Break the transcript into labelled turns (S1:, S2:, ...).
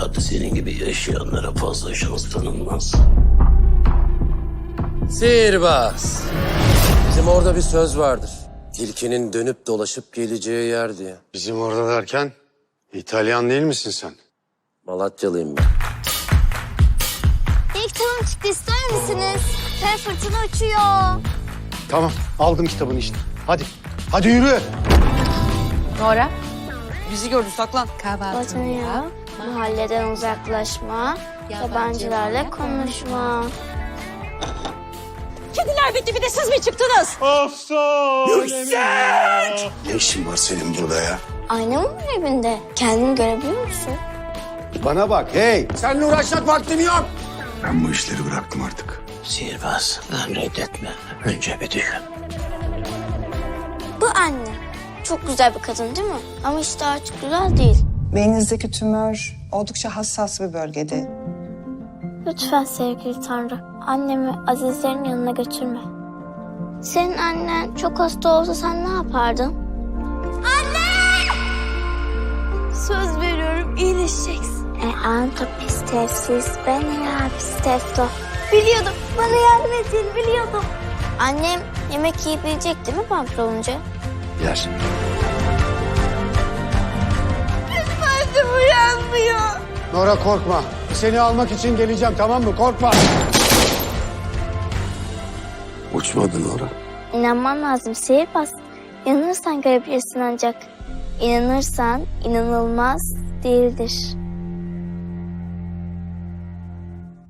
S1: Fakat senin gibi yaşayanlara fazla şans tanınmaz.
S2: Sihirbaz. Bizim orada bir söz vardır. Tilkinin dönüp dolaşıp geleceği yer diye.
S3: Bizim orada derken İtalyan değil misin sen?
S2: Malatyalıyım ben.
S4: İlk kitabım çıktı, ister misiniz? Ve fırtına uçuyor.
S3: Tamam, aldım kitabını işte. Hadi, hadi yürü.
S5: Nora. Bizi gördü, saklan.
S4: Kahvaltıya, mahalleden uzaklaşma, yabancılarla konuşma.
S5: Kediler bitti, bir de siz mi çıktınız?
S1: Ne işin var senin burada ya?
S4: Ayna mı var evinde? Kendini görebiliyor musun?
S3: Bana bak, hey.
S2: Seninle uğraşacak vaktim yok.
S1: Ben bu işleri bıraktım artık. Sihirbaz, reddetme. Önce bir düşün.
S4: Bu anne. Çok güzel bir kadın değil mi? Ama işte artık güzel değil.
S6: Beyninizdeki tümör oldukça hassas bir bölgede.
S4: Lütfen sevgili Tanrı, annemi Azizlerin yanına götürme. Senin annen çok hasta olsa sen ne yapardın? Anne! Söz veriyorum iyileşeceksin. Anto pistefsiz, ben ya pistefto. Biliyordum, bana yardım ettiğini biliyordum. Annem yemek yiyebilecek değil mi vampir olunca?
S1: Yer.
S4: Annem uyanmıyor.
S3: Nora korkma. Seni almak için geleceğim, tamam mı? Korkma.
S1: Uçmadın oraya.
S4: İnanman lazım sihirbaz. İnanırsan görebilirsin ancak. İnanırsan inanılmaz değildir.